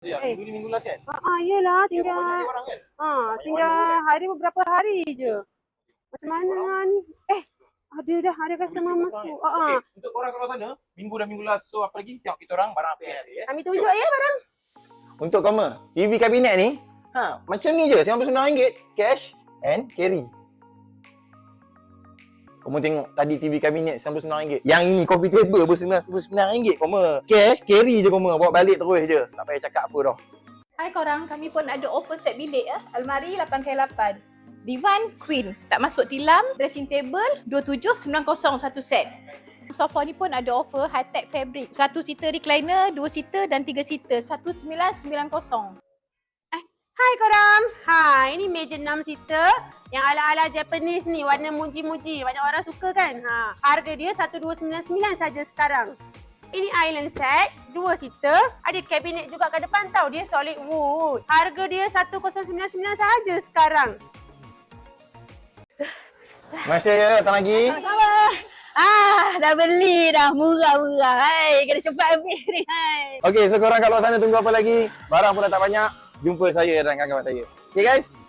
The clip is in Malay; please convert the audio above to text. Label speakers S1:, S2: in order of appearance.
S1: Ya, minggu ni minggu last kan?
S2: Yelah,
S1: Dia
S2: tinggal
S1: banyak orang kan?
S2: tinggal hari beberapa hari je. Macam mana ni? Ada customer masuk.
S1: Okay, untuk korang kat luar sana, minggu dah minggu last. So apa lagi? Tengok kita orang barang apa yang ada ya.
S2: Kami tunjuk ya barang.
S3: Untuk kamu, TV kabinet ni, macam ni je, RM99, cash and carry. Kamu tengok tadi TV kabinet RM99. Yang ini coffee table pun RM99 kamu. Cash, carry je kamu, bawa balik terus je. Tak payah cakap apa dah.
S4: Hai korang, kami pun ada offer set bilik ya. Almari 8x8. Divan Queen, tak masuk tilam. Dressing table 2790 satu set. Sofa ni pun ada offer high-tech fabric. 1 seater recliner, 2 seater dan 3 seater. 1990.
S2: Hai korang. Ini meja 6 seater yang ala-ala Japanese ni, warna muji-muji. Banyak orang suka kan? Harga dia 1299 saja sekarang. Ini island set, 2 seater. Ada kabinet juga kat depan tau. Dia solid wood. Harga dia 1099 saja sekarang.
S3: Masih ya, datang lagi.
S4: Sama-sama. Dah beli dah. Murah-murah. Hai, kena cepat habis ni. Hai.
S3: Okey, so korang kat luar sana tunggu apa lagi? Barang pun dah tak banyak. Jumpa saya dan kawan-kawan saya. Okay guys?